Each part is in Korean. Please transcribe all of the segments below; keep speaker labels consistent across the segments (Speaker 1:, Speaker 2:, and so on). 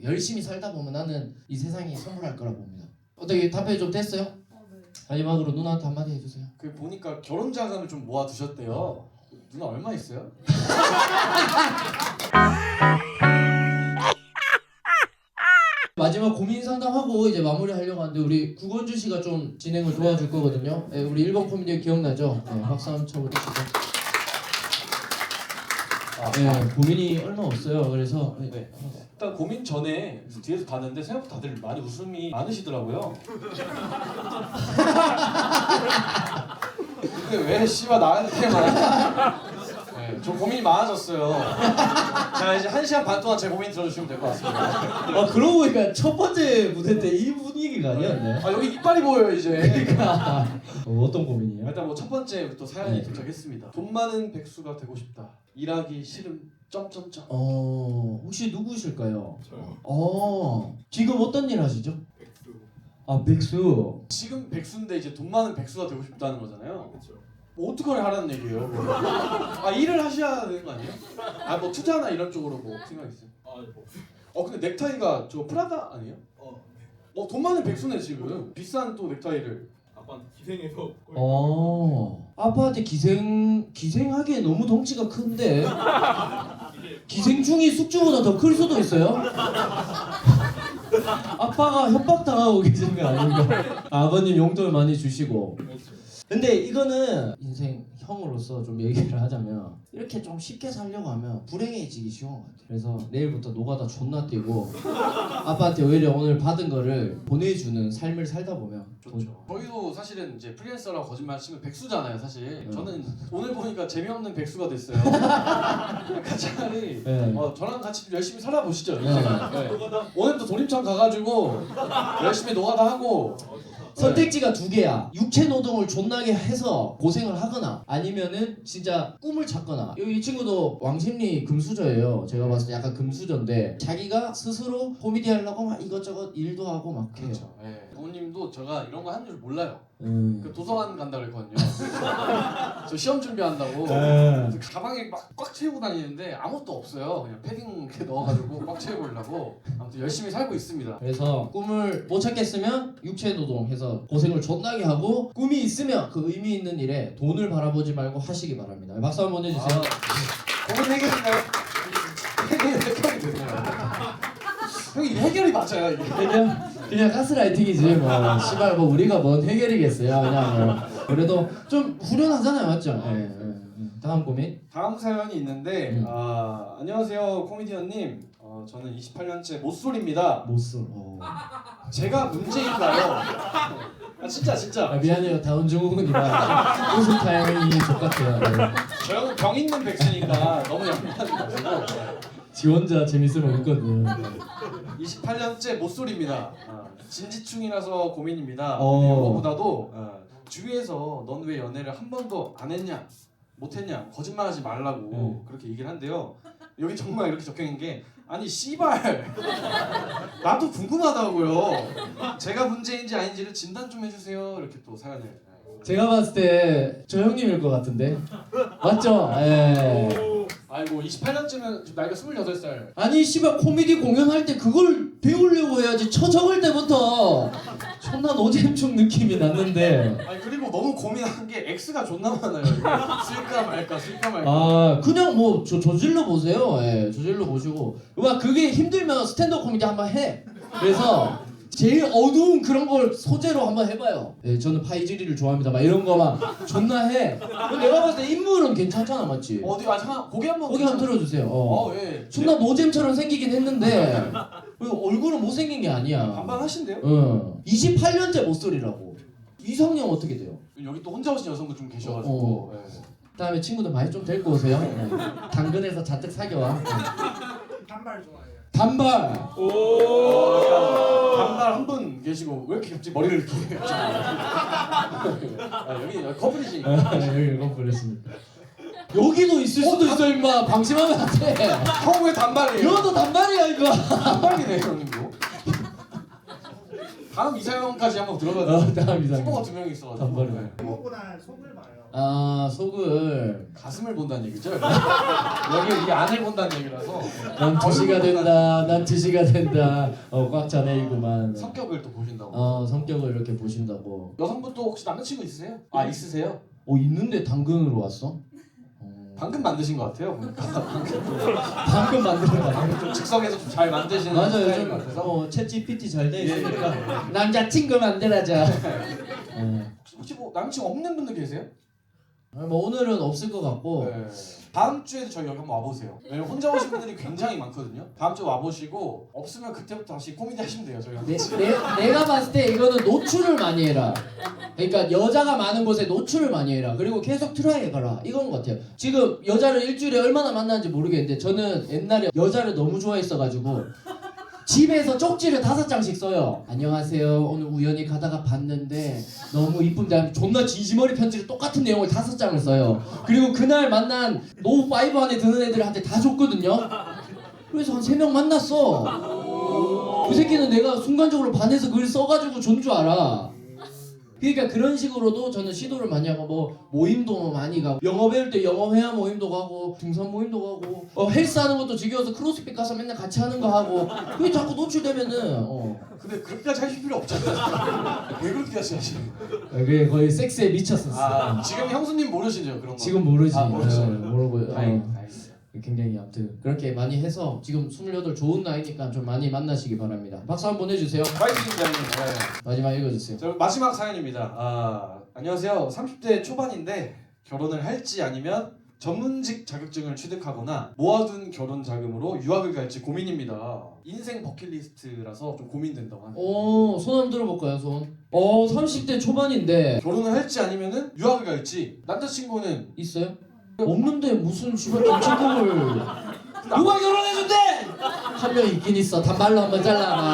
Speaker 1: 열심히 살다 보면 나는 이 세상이 선물할 거라고 봅니다. 어떻게 답변이 좀 됐어요?
Speaker 2: 네.
Speaker 1: 마지막으로 누나한테 한마디 해주세요.
Speaker 3: 그 보니까 결혼 자금을 좀 모아 두셨대요. 누나 얼마 있어요?
Speaker 1: 마지막 고민 상담하고 이제 마무리하려고 하는데 우리 구건주 씨가 좀 진행을 도와줄 거거든요. 네, 우리 1번 코미디 기억나죠? 네, 박수 한번 쳐보시죠. 네, 고민이 얼마 없어요. 그래서
Speaker 3: 네. 일단 고민 전에 뒤에서 봤는데 생각보다 다들 많이 웃음이 많으시더라고요. 근데 왜 씨발 나한테만? 네, 좀 고민이 많아졌어요. 자 이제 1시간 반 동안 제 고민 들어주시면 될 것 같습니다.
Speaker 1: 그러고 보니까 첫 번째 무대 때 이 분위기가 아니었네.
Speaker 3: 아 여기 이빨이 보여요 이제.
Speaker 1: 어떤 고민이에요?
Speaker 3: 일단 뭐 첫 번째 또 사연이
Speaker 1: 네.
Speaker 3: 도착했습니다. 돈 많은 백수가 되고 싶다. 일하기 싫음. 점점점.
Speaker 1: 혹시 누구실까요?
Speaker 4: 저요.
Speaker 1: 지금 어떤 일 하시죠?
Speaker 4: 백수.
Speaker 1: 아, 백수.
Speaker 3: 지금 백수인데 이제 돈 많은 백수가 되고 싶다는 거잖아요.
Speaker 4: 그렇죠.
Speaker 3: 뭐 어떻게 하라는 얘기예요? 아 일을 하셔야 되는 거 아니에요? 아 뭐 투자나 이런 쪽으로 뭐 생각 있어요?
Speaker 4: 뭐.
Speaker 3: 근데 넥타이가 저 프라다 아니에요?
Speaker 4: 네.
Speaker 3: 돈 많은 백수네 지금. 비싼 또 넥타이를.
Speaker 4: 아빠한테 기생해서.
Speaker 1: 아빠한테 기생하기에 너무 덩치가 큰데 기생충이 숙주보다 더 클 수도 있어요? 아빠가 협박당하고 계신 거 아닌가? 아버님 용돈을 많이 주시고. 근데 이거는 인생 형으로서 좀 얘기를 하자면 이렇게 좀 쉽게 살려고 하면 불행해지기 쉬운 것 같아요. 그래서 내일부터 노가다 존나 뛰고 아빠한테 오히려 오늘 받은 거를 보내주는 삶을 살다 보면
Speaker 3: 좋죠. 저희도 사실은 이제 프리랜서라고 거짓말 치면 백수잖아요 사실. 저는 오늘 보니까 재미없는 백수가 됐어요. 그러니까 차라리
Speaker 1: 네.
Speaker 3: 저랑 같이 좀 열심히 살아보시죠.
Speaker 1: 네.
Speaker 3: 네. 오늘도 돌림창 가가지고 열심히 노가다 하고.
Speaker 1: 선택지가 두 개야. 육체 노동을 존나게 해서 고생을 하거나 아니면은 진짜 꿈을 찾거나. 이 친구도 왕십리 금수저예요. 제가 봤을 때 약간 금수저인데 자기가 스스로 코미디 하려고 막 이것저것 일도 하고 막 해요.
Speaker 3: 그렇죠. 네. 부모님도 제가 이런 거 하는 줄 몰라요. 그 도서관 간다 그랬거든요. 저 시험 준비한다고 그래서 가방에 막 꽉 채우고 다니는데 아무것도 없어요. 그냥 패딩 이렇게 넣어가지고 꽉 채우려고 아무튼 열심히 살고 있습니다.
Speaker 1: 그래서 꿈을 못 찾겠으면 육체 노동해서 고생을 존나게 하고 꿈이 있으면 그 의미 있는 일에 돈을 바라보지 말고 하시기 바랍니다. 박수 한번 해주세요.
Speaker 3: 고민 해결인가요? 해결이 되네요. 형이 해결이 맞아요 이게.
Speaker 1: 그냥 가스라이팅이지 뭐. 씨발 뭐 우리가 뭔 해결이겠어요. 그냥 뭐. 그래도 좀 후련하잖아요, 맞죠? 예. 다음 고민.
Speaker 3: 다음 사연이 있는데 안녕하세요 코미디언님. 저는 28년째 모쏠입니다.
Speaker 1: 못쏠.
Speaker 3: 제가 문제인가요? 진짜.
Speaker 1: 미안해요, 다운증후군이라 웃음 타임이 족같아요. 네.
Speaker 3: 저 형은 병 있는 백수니까 너무 양보하지 마시고.
Speaker 1: 지 혼자 재밌으면 웃거든.
Speaker 3: 28년째 모쏠입니다. 진지충이라서 고민입니다.
Speaker 1: 어.
Speaker 3: 이거보다도 주위에서 넌 왜 연애를 한 번도 안 했냐, 못했냐, 거짓말하지 말라고 그렇게 얘기를 한대요. 여기 정말 이렇게 적혀있는 게 아니 씨발 나도 궁금하다고요. 제가 문제인지 아닌지를 진단 좀 해주세요. 이렇게 또 사연을.
Speaker 1: 제가 봤을 때 저 형님일 것 같은데 맞죠? 예.
Speaker 3: 아이고 28년쯤면 지금 나이가 28살.
Speaker 1: 아니 씨발 코미디 공연할 때 그걸 배우려고 해야지. 적을 때부터 존나 노잼충 느낌이 났는데.
Speaker 3: 아니 그리고 너무 고민한 게 X가 존나 많아요. 이거. 쓸까 말까.
Speaker 1: 그냥 뭐 저질러 보세요. 예, 저질러 보시고 막 그게 힘들면 스탠드업 코미디 한번 해. 그래서 제일 어두운 그런 걸 소재로 한번 해봐요. 예, 저는 파이즈리를 좋아합니다. 막 이런 거 막 존나 해. 내가 봤을 때 인물은 괜찮잖아, 맞지?
Speaker 3: 어디 잠깐 고개 한번.
Speaker 1: 거기 한번 들어주세요.
Speaker 3: 예.
Speaker 1: 존나 노잼처럼 생기긴 했는데 얼굴은 못생긴 게 아니야.
Speaker 3: 반반하신데요?
Speaker 1: 28년째 모쏠이라고. 이성형 어떻게 돼요?
Speaker 3: 여기 또 혼자 오신 여성분 좀 계셔가지고. 예.
Speaker 1: 그다음에 친구들 많이 좀 데리고 오세요. 당근에서 잔뜩 사겨와.
Speaker 2: 단발 좋아해요.
Speaker 1: 단발.
Speaker 3: 단발 한 분 계시고 왜 이렇게 갑자기 머리를 이렇게 여기 커플이시니까.
Speaker 1: 여기 커플이십니다. 여기도 있을 수도 있어 임마. 방심하면 안 돼.
Speaker 3: 형 왜 단발이에요?
Speaker 1: 이것도 단발이야 이거.
Speaker 3: 단발이네 형님도. 다음 이사형까지 한번 들어가자.
Speaker 1: 다음 이상.
Speaker 3: 후보가 2명 있어가지고.
Speaker 1: 단발이네.
Speaker 2: 그거보다 속을 봐요.
Speaker 1: 아 속을
Speaker 3: 가슴을 본다는 얘기죠. 여기 이 안을 본다는 얘기라서
Speaker 1: 난 2시가 된다. 난 2시가 된다. 꽉 차네이구만.
Speaker 3: 성격을 또 보신다고.
Speaker 1: 성격을 이렇게 보신다고.
Speaker 3: 여성분도 혹시 남자친구 있으세요? 아 있으세요?
Speaker 1: 있는데 당근으로 왔어?
Speaker 3: 방금 만드신 것 같아요. 보니까.
Speaker 1: 방금 만든 거 아니야?
Speaker 3: 좀 즉석에서 좀 잘 만드시는
Speaker 1: 맞아요.
Speaker 3: 스타일인
Speaker 1: 요즘
Speaker 3: 것 같아서.
Speaker 1: 챗 GPT 잘 돼 있으니까 남자친구 만들어자.
Speaker 3: 혹시 뭐 남자친구 없는 분들 계세요?
Speaker 1: 뭐 오늘은 없을 것 같고.
Speaker 3: 네. 다음 주에도 저희 여기 한번 와보세요. 왜냐면 혼자 오신 분들이 굉장히 많거든요. 다음 주에 와보시고 없으면 그때부터 다시 코미디 하시면 돼요. 저희가.
Speaker 1: 내가 봤을 때 이거는 노출을 많이 해라. 그러니까 여자가 많은 곳에 노출을 많이 해라. 그리고 계속 트라이 해가라. 이건 것 같아요. 지금 여자를 일주일에 얼마나 만나는지 모르겠는데 저는 옛날에 여자를 너무 좋아했어가지고 집에서 쪽지를 5장씩 써요. 안녕하세요. 오늘 우연히 가다가 봤는데 너무 이쁜데 존나 진심어리 편지를 똑같은 내용을 5장을 써요. 그리고 그날 만난 노5 안에 드는 애들한테 다 줬거든요. 그래서 한 3명 만났어. 그 새끼는 내가 순간적으로 반해서 그걸 써가지고 준 줄 알아. 그러니까 그런 식으로도 저는 시도를 많이 하고 뭐 모임도 많이 가고 영어 배울 때 영어 회화 모임도 가고 등산 모임도 가고 헬스하는 것도 지겨워서 크로스핏 가서 맨날 같이 하는 거 하고 그게 자꾸 노출되면은
Speaker 3: 근데 그렇게까지 하실 필요 없잖아요. 왜 그렇게까지 하시는 거예요?
Speaker 1: 그게 거의 섹스에 미쳤었어.
Speaker 3: 지금 형수님 모르시죠 그런 거?
Speaker 1: 지금 모르지.
Speaker 3: 모르죠.
Speaker 1: 모르고
Speaker 3: 다행이다.
Speaker 1: 굉장히 아무튼 그렇게 많이 해서 지금 28 좋은 나이니까 좀 많이 만나시기 바랍니다. 박수 한번 보내주세요.
Speaker 3: 파이팅입니다 형님. 네.
Speaker 1: 마지막 읽어주세요.
Speaker 3: 자, 마지막 사연입니다. 안녕하세요. 30대 초반인데 결혼을 할지 아니면 전문직 자격증을 취득하거나 모아둔 결혼 자금으로 유학을 갈지 고민입니다. 인생 버킷리스트라서 좀 고민된다고 하네요.
Speaker 1: 손 한번 들어볼까요 손? 30대 초반인데
Speaker 3: 결혼을 할지 아니면은 유학을 갈지. 남자친구는
Speaker 1: 있어요? 없는데 무슨 씨발 김치국을 누가 결혼해준대? 한 명 있긴 있어. 단발로 한번 잘라놔.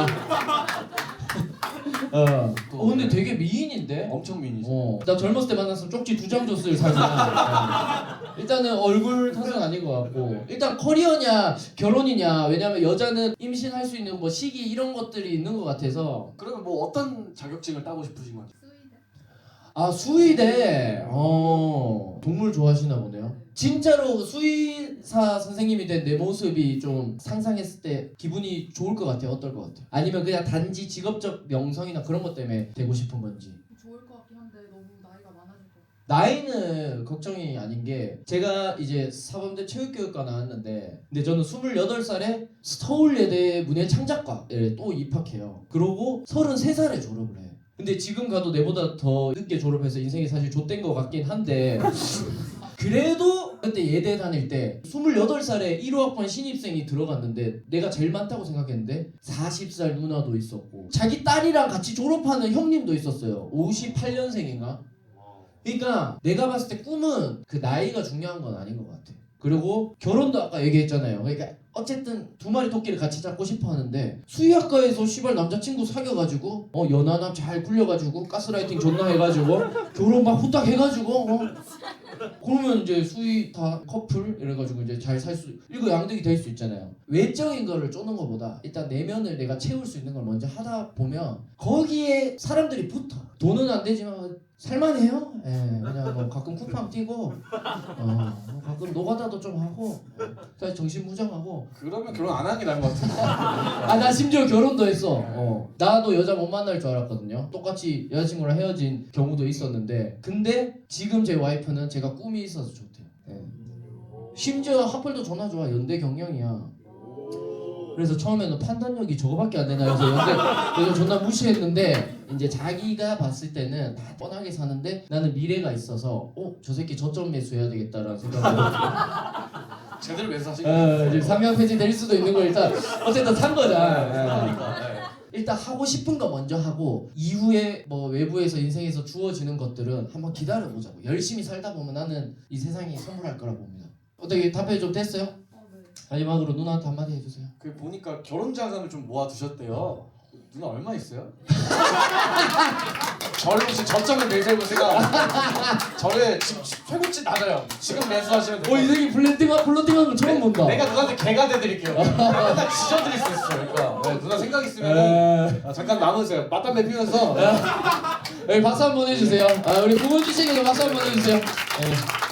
Speaker 1: 근데 되게 미인인데?
Speaker 3: 엄청 미인이죠.
Speaker 1: 나 젊었을 때 만났으면 쪽지 2장 줬을 사진이야. 일단은 얼굴 탓은 아닌 것 같고 일단 커리어냐 결혼이냐. 왜냐면 여자는 임신할 수 있는 뭐 시기 이런 것들이 있는 것 같아서.
Speaker 3: 그러면 뭐 어떤 자격증을 따고 싶으신 거죠?
Speaker 1: 수의대. 동물 좋아하시나 보네요. 진짜로 수의사 선생님이 된 내 모습이 좀 상상했을 때 기분이 좋을 것 같아요. 어떨 것 같아요? 아니면 그냥 단지 직업적 명성이나 그런 것 때문에 되고 싶은 건지.
Speaker 5: 좋을 것 같긴 한데 너무 나이가 많아질 것 같아요.
Speaker 1: 나이는 걱정이 아닌 게 제가 이제 사범대 체육교육과 나왔는데 근데 저는 28살에 서울예대 문예창작과에 또 입학해요. 그러고 33살에 졸업을 해. 근데 지금 가도 내보다 더 늦게 졸업해서 인생이 사실 좆된 것 같긴 한데 그래도 그때 예대 다닐 때 28살에 1호학번 신입생이 들어갔는데 내가 제일 많다고 생각했는데 40살 누나도 있었고 자기 딸이랑 같이 졸업하는 형님도 있었어요. 58년생인가? 그러니까 내가 봤을 때 꿈은 그 나이가 중요한 건 아닌 것 같아. 그리고 결혼도 아까 얘기했잖아요. 그러니까 어쨌든 2마리 토끼를 같이 잡고 싶어 하는데 수의학과에서 씨발 남자친구 사귀어가지고 연하남 잘 굴려가지고 가스라이팅 존나 해가지고 결혼 막 후딱 해가지고 그러면 이제 수의 다 커플 이래가지고 이제 잘 살 수 이거 양득이 될 수 있잖아요. 외적인 거를 쪼는 것보다 일단 내면을 내가 채울 수 있는 걸 먼저 하다 보면 거기에 사람들이 붙어. 돈은 안 되지만 살만해요. 예, 그냥 뭐 가끔 쿠팡 뛰고 가끔 노가다도 좀 하고 사실 정신 무장하고.
Speaker 3: 그러면 결혼 안 하는 게 나은 것 같은데.
Speaker 1: 나 심지어 결혼도 했어. 나도 여자 못 만날 줄 알았거든요. 똑같이 여자친구랑 헤어진 경우도 있었는데 근데 지금 제 와이프는 제가 꿈이 있어서 좋대요. 예. 심지어 하플도 존나 좋아. 연대 경영이야. 그래서 처음에는 판단력이 저거밖에 안 되나 해서 그래서 존나 무시했는데 이제 자기가 봤을 때는 다 뻔하게 사는데 나는 미래가 있어서 저 새끼 저점 매수해야 되겠다라는 생각으로
Speaker 3: 제대로 매수하신 거예요.
Speaker 1: 지금 상향 폐지 될 수도 있는 걸 일단 어쨌든 산 거잖아.
Speaker 3: 그러니까.
Speaker 1: 일단 하고 싶은 거 먼저 하고 이후에 뭐 외부에서 인생에서 주어지는 것들은 한번 기다려보자고. 열심히 살다 보면 나는 이 세상이 선물할 거라 봅니다. 어떻게 답변이 좀 됐어요?
Speaker 5: 네.
Speaker 1: 마지막으로 누나한테 한마디 해주세요.
Speaker 3: 그 보니까 결혼 자금을 좀 모아 두셨대요. 누나 얼마 있어요? 저를 혹시 저점을 매세고 제가 저를 지금 최고치 낮아요. 지금 매수하시면 돼요.
Speaker 1: 이 새끼 플러팅하는 거 처음 본다.
Speaker 3: 내가 누나한테 개가 돼드릴게요. 맨날 지져드릴 수 있어요. 그러니까 누나 생각 있으면 잠깐 남으세요. 맞담배 피면서
Speaker 1: 네, 박수 한번 해주세요. 우리 부모 주식에도 박수 한번 해주세요. 네.